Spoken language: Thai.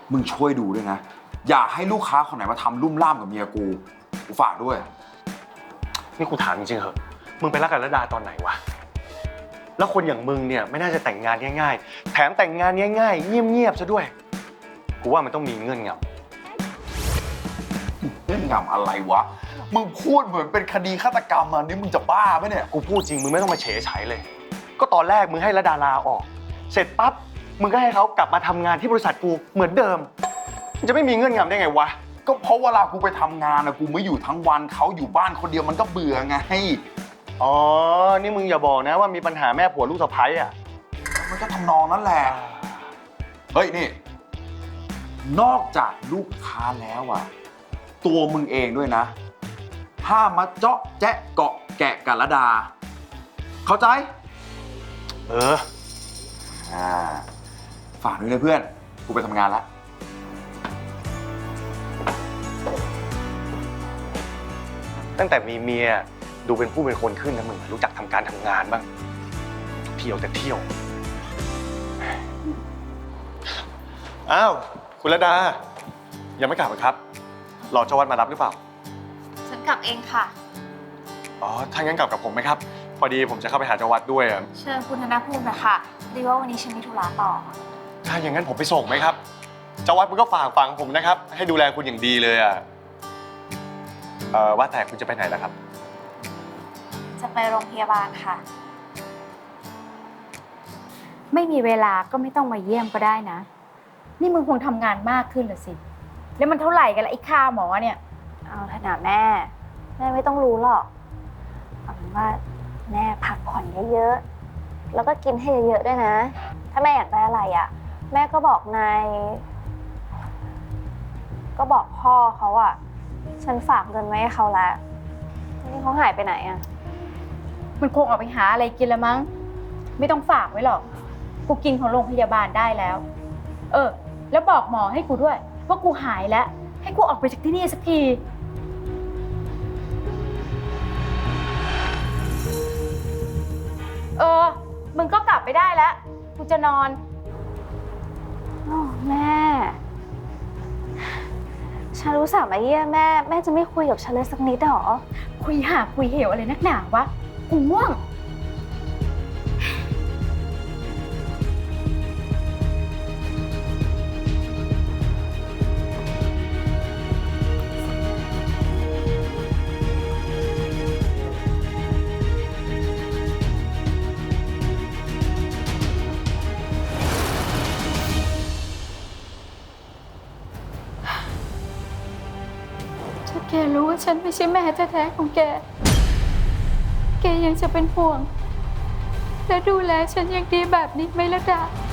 มึงช่วยดูด้วยนะอย่าให้ลูกค้าคนไหนมาทำลุ่มล่ามกับเมียกูฝากด้วยนี่กูถามจริงๆเหอะมึงไปรักกับระดาตอนไหนวะแล้วคนอย่างมึงเนี่ยไม่น่าจะแต่งงานง่ายๆแถมแต่งงานง่ายๆเงียบๆซะด้วยกูว่ามันต้องมีเงื่อนงเงื่อนงำอะไรวะมึงพูดเหมือนเป็นคดีฆาตกรรมอ่ะนี่มึงจะบ้าไหมเนี่ยกูพูดจริงมึงไม่ต้องมาเฉยเฉยเลยก็ตอนแรกมึงให้ระดาลาออกเสร็จปั๊บมึงก็ให้เขากลับมาทำงานที่บริษัทกูเหมือนเดิมมันจะไม่มีเงื่อนงำได้ไงวะก็เพราะเวลากูไปทำงานนะกูไม่อยู่ทั้งวันเขาอยู่บ้านคนเดียวมันก็เบื่อไงอ๋อนี่มึงอย่าบอกนะว่ามีปัญหาแม่ผัวลูกสะใภ้อ่ะมันก็ทำนองนั้นแหละเฮ้ยนี่นอกจากลูกค้าแล้วอ่ะตัวมึงเองด้วยนะห้ามมาเจาะแจ๊ะเกาะแกะกับระดาเข้าใจฝากด้วยนะเพื่อนกูไปทำงานแล้วตั้งแต่มีเมียดูเป็นผู้เป็นคนขึ้นนะมึงรู้จักทำการทำงานบ้างเที่ยวแต่เที่ยวอ้าวคุณระดายังไม่กลับเหรอครับรอเจ้าวัดมารับหรือเปล่าฉันกลับเองค่ะอ๋อถ้างั้นกลับกับผมไหมครับพอดีผมจะเข้าไปหาเจ้าวัดด้วยอ่ะเชิญคุณธนภูมินะคะดีว่าวันนี้ฉันมีธุระต่อถ้าอย่างนั้นผมไปส่งไหมครับเจ้าวัดมันก็ฝากฝังผมนะครับให้ดูแลคุณอย่างดีเลยอ่ะว่าแต่คุณจะไปไหนล่ะครับจะไปโรงพยาบาลค่ะไม่มีเวลาก็ไม่ต้องมาเยี่ยมก็ได้นะนี่มึงคงทำงานมากขึ้นเหรอสิแล้วมันเท่าไหร่กันละไอ้ค่าหมอเนี่ยเอาเถอะนะแม่ไม่ต้องรู้หรอกเอาเป็นว่าแม่พักผ่อนเยอะๆแล้วก็กินให้เยอะๆด้วยนะถ้าแม่อยากได้อะไรอ่ะแม่ก็บอกนายก็บอกพ่อเขาอ่ะฉันฝากเงินไว้ให้เขาแล้วนี่เขาหายไปไหนอ่ะมันคงออกไปหาอะไรกินละมั้งไม่ต้องฝากไว้หรอกกูกินของโรงพยาบาลได้แล้วแล้วบอกหมอให้กูด้วยว่ากูหายแล้วให้กูออกไปจากที่นี่สักทีมึงก็กลับไปได้แล้วกูจะนอนแม่ฉันรู้สึกมาเยี่ยมแม่จะไม่คุยกับฉันเลยสักนิดหรอคุยเหวอะไรนักหนาวะกูง่วงถ้าแกรู้ว่าฉันไม่ใช่แม่แท้ๆของแกยังจะเป็นห่วงและดูแลฉันอย่างดีแบบนี้ไหมล่ะดา